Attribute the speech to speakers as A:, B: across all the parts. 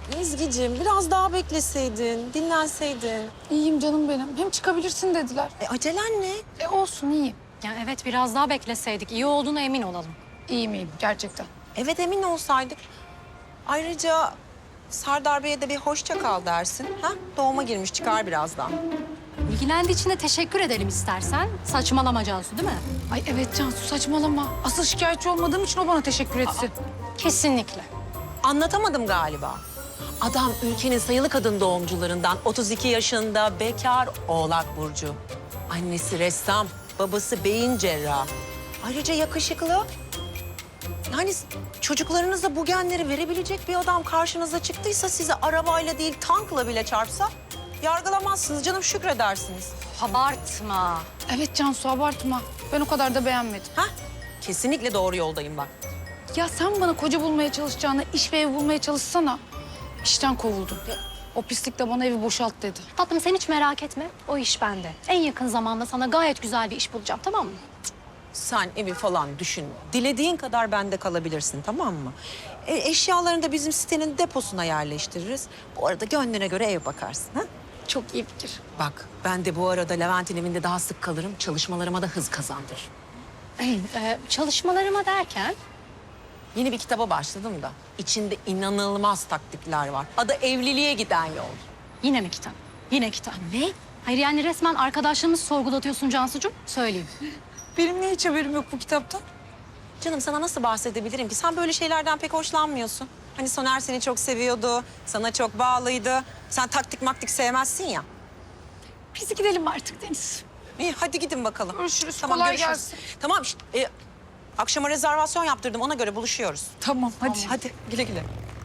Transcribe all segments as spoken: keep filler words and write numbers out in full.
A: Ezgi'cim biraz daha bekleseydin, dinlenseydin.
B: İyiyim canım benim. Hem çıkabilirsin dediler.
A: E acelen ne?
B: E olsun iyiyim.
C: Ya evet biraz daha bekleseydik iyi olduğuna emin olalım.
B: İyiyim iyiyim gerçekten.
A: Evet emin olsaydık. Ayrıca Serdar Bey'e de bir hoşça kal dersin. Ha? Doğuma girmiş çıkar birazdan.
C: İlgilendiği için de teşekkür edelim istersen. Saçmalama Cansu değil mi?
B: Ay evet Cansu saçmalama. Asıl şikayetçi olmadığım için o bana teşekkür etsin.
C: Kesinlikle.
A: Anlatamadım galiba. Adam ülkenin sayılı kadın doğumcularından otuz iki yaşında bekar Oğlak Burcu. Annesi ressam, babası beyin cerrahı. Ayrıca yakışıklı. Yani çocuklarınıza bu genleri verebilecek bir adam karşınıza çıktıysa sizi arabayla değil tankla bile çarpsa yargılamazsınız canım şükredersiniz.
C: Abartma.
B: Evet Cansu abartma. Ben o kadar da beğenmedim.
A: Ha? Kesinlikle doğru yoldayım bak.
B: Ya sen bana koca bulmaya çalışacağına iş ve ev bulmaya çalışsana. İşten kovuldum. O pislik de bana evi boşalt dedi.
C: Tatlım sen hiç merak etme. O iş bende. En yakın zamanda sana gayet güzel bir iş bulacağım tamam mı?
A: Sen evi falan düşün. Dilediğin kadar bende kalabilirsin tamam mı? E, eşyalarını da bizim sitenin deposuna yerleştiririz. Bu arada gönlüne göre ev bakarsın. Ha?
B: Çok iyi fikir.
A: Bak ben de bu arada Levent'in evinde daha sık kalırım. Çalışmalarıma da hız kazandır.
C: Ee, çalışmalarıma derken
A: Yeni bir kitaba başladım da içinde inanılmaz taktikler var. Adı Evliliğe Giden Yol.
C: yine mi kitap? Yine kitap.
A: Ne?
C: Hayır yani resmen arkadaşlığımızı sorgulatıyorsun Cansucuğum. Söyleyeyim.
B: Benim niye hiç haberim yok bu kitaptan?
A: Canım sana nasıl bahsedebilirim ki? Sen böyle şeylerden pek hoşlanmıyorsun. Hani Soner seni çok seviyordu, sana çok bağlıydı. Sen taktik maktik sevmezsin ya.
B: Biz gidelim artık Deniz.
A: İyi hadi gidin bakalım.
B: Görüşürüz,
A: Tamam,
B: kolay
A: görüşürüz.
B: gelsin.
A: Tamam işte, e, akşama rezervasyon yaptırdım ona göre buluşuyoruz.
B: Tamam hadi.
A: Hadi güle güle.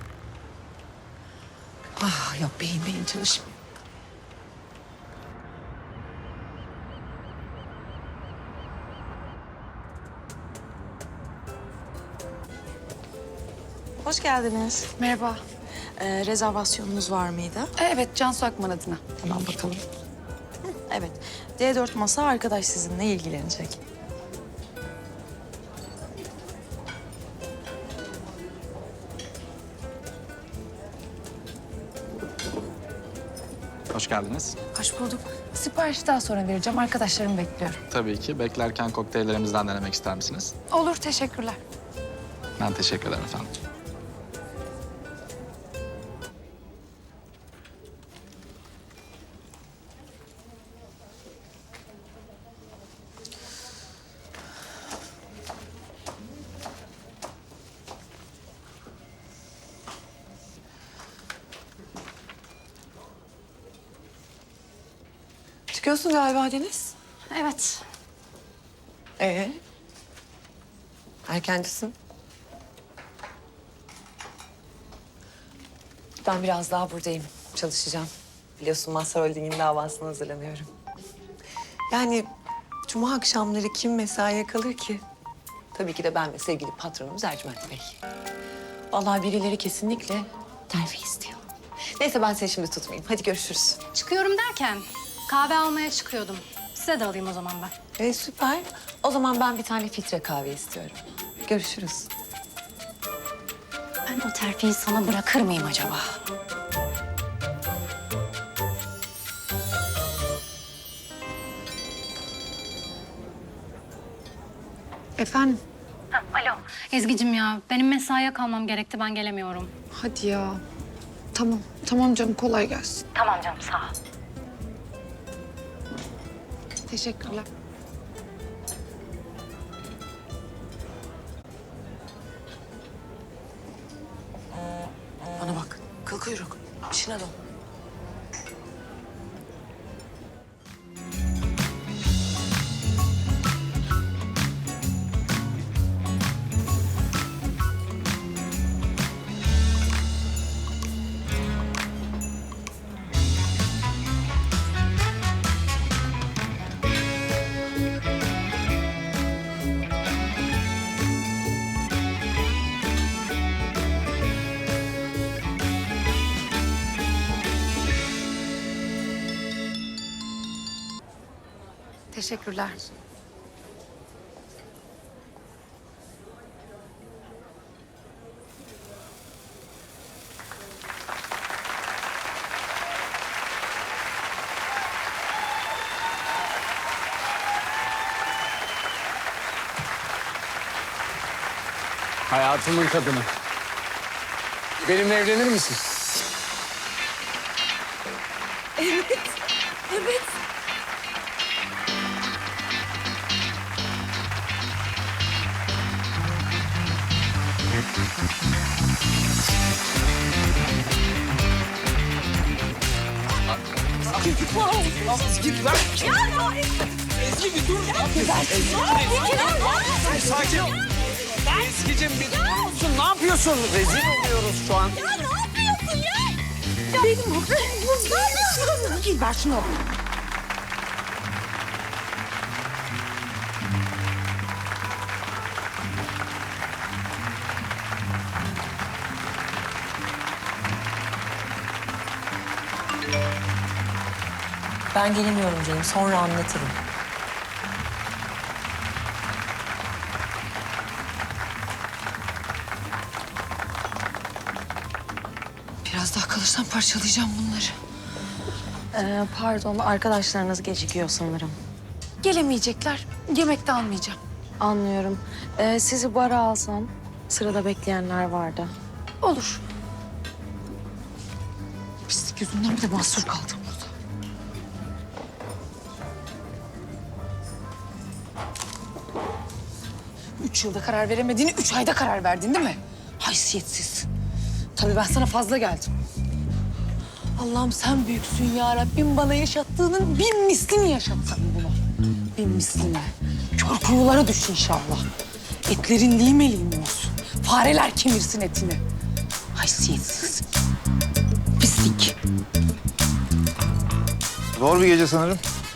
A: Ah yok beyin beyin çalışmıyor.
D: Hoş geldiniz.
B: Merhaba.
D: Ee, rezervasyonunuz var mıydı?
B: E, evet Cansu Akman adına.
D: Hemen bakalım. Evet. D dört masa arkadaş sizinle ilgilenecek.
E: Hoş geldiniz.
B: Hoş bulduk. Siparişi daha sonra vereceğim. Arkadaşlarımı bekliyorum.
E: Tabii ki. Beklerken kokteyllerimizden denemek ister misiniz?
B: Olur teşekkürler.
E: Ben teşekkür ederim efendim.
D: Çıkıyorsun galiba Deniz.
C: Evet.
A: Ee? Erkencisin.
D: Ben biraz daha buradayım. Çalışacağım. Biliyorsun Mazhar Holding'in davasına hazırlanıyorum. Yani cuma akşamları kim mesaiye kalır ki? Tabii ki de ben ve sevgili patronumuz Ercüment Bey. Vallahi birileri kesinlikle terfi istiyor. Neyse ben seni şimdi tutmayayım. Hadi görüşürüz.
C: Çıkıyorum derken kahve almaya çıkıyordum. Size de alayım o zaman ben.
D: Ee, süper. O zaman ben bir tane filtre kahve istiyorum. Görüşürüz.
C: Ben o terfiyi sana bırakır mıyım acaba?
B: Efendim?
C: Alo. Ezgi'cim ya benim mesaiye kalmam gerekti ben gelemiyorum.
B: Hadi ya. Tamam. Tamam canım kolay gelsin.
C: Tamam canım sağ ol.
B: Teşekkürler.
A: Bana bak kıl kuyruk işine dön.
B: Teşekkürler.
F: Hayatımın kadını. Benimle evlenir misin? Ezgi'cim bir durur musun? Ne yapıyorsun? Rezil oluyoruz şu an.
B: Ver şunu.
A: Ben gelemiyorum canım. Sonra anlatırım.
B: Biraz daha kalırsam parçalayacağım bunları.
G: Ee, pardon, arkadaşlarınız gecikiyor sanırım.
B: Gelemeyecekler. Yemek de almayacağım.
G: Anlıyorum. Ee, sizi bara alsam, sırada bekleyenler vardı.
B: Olur. Pislik yüzünden bir de mahsur kaldım burada. Üç yılda karar veremediğini üç ayda karar verdin değil mi? Haysiyetsiz. Tabii ben sana fazla geldim. Allah'ım sen büyüksün ya Rabbim, bana yaşattığının bin mislini yaşatsan bunu. Bin mislini. Kör kuyulara düş inşallah. Etlerin lime lime olsun. Fareler kemirsin etini. Haysiyetsiz. Pislik.
H: Zor bir gece sanırım.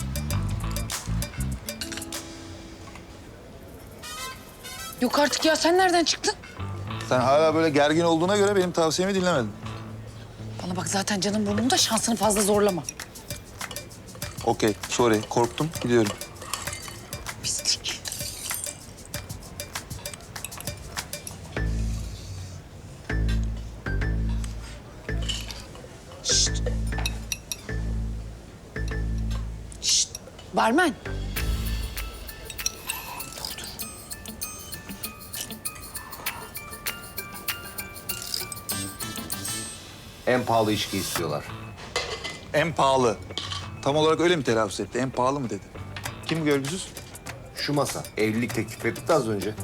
B: Yok artık ya, sen nereden çıktın?
H: Sen hala böyle gergin olduğuna göre benim tavsiyemi dinlemedin.
B: Bana bak, zaten canım burnumda, şansını fazla zorlama.
H: Okey, sorry. Korktum, gidiyorum.
B: Pislik. Şşt. Şşt. Barmen.
I: En pahalı içki istiyorlar.
H: En pahalı. Tam olarak öyle mi telaffuz etti? En pahalı mı dedi? Kim bu görgüsüz?
I: Şu masa evlilik teklif etti az önce.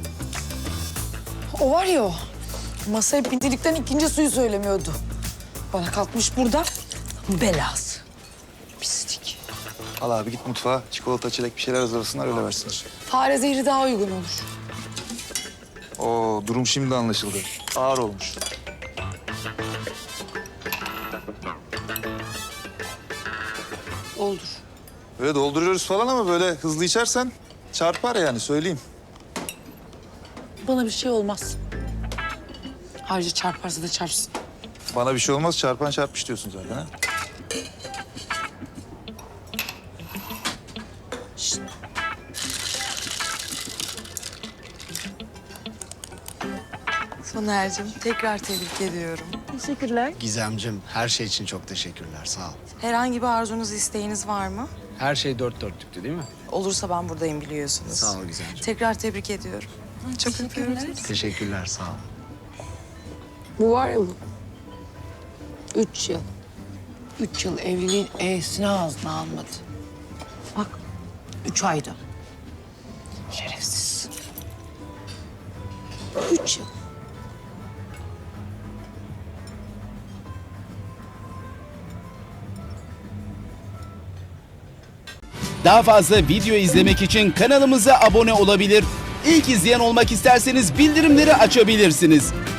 B: O var ya o. Masaya pintilikten ikinci suyu söylemiyordu. Bana kalkmış burada belası. Pislik.
H: Al abi git mutfağa. Çikolata, çilek bir şeyler hazırlasınlar öyle versinler.
B: Fare zehri daha uygun olur.
H: Oo, durum şimdi anlaşıldı. Ağır olmuş.
B: Oldur.
H: Böyle dolduruyoruz falan ama böyle hızlı içersen çarpar yani söyleyeyim.
B: Bana bir şey olmaz. Ayrıca çarparsa da çarpsın.
H: Bana bir şey olmaz, çarpan çarpmış diyorsun zaten ha.
J: Soner'cim tekrar tebrik ediyorum.
G: Teşekkürler.
F: Gizemcim, her şey için çok teşekkürler. Sağ ol.
J: Herhangi bir arzunuz, isteğiniz var mı?
F: Her şey dört dörtlüktü değil mi?
J: Olursa ben buradayım biliyorsunuz.
F: Sağ ol Gizemciğim.
J: Tekrar tebrik ediyorum. Çok öpüyorum.
F: Teşekkürler, sağ ol.
B: Bu var ya bu. Üç yıl. Üç yıl evliliğin E'sini ağzına almadı. Bak, üç ayda. Şerefsiz. Üç yıl.
K: Daha fazla video izlemek için kanalımıza abone olabilir. İlk izleyen olmak isterseniz bildirimleri açabilirsiniz.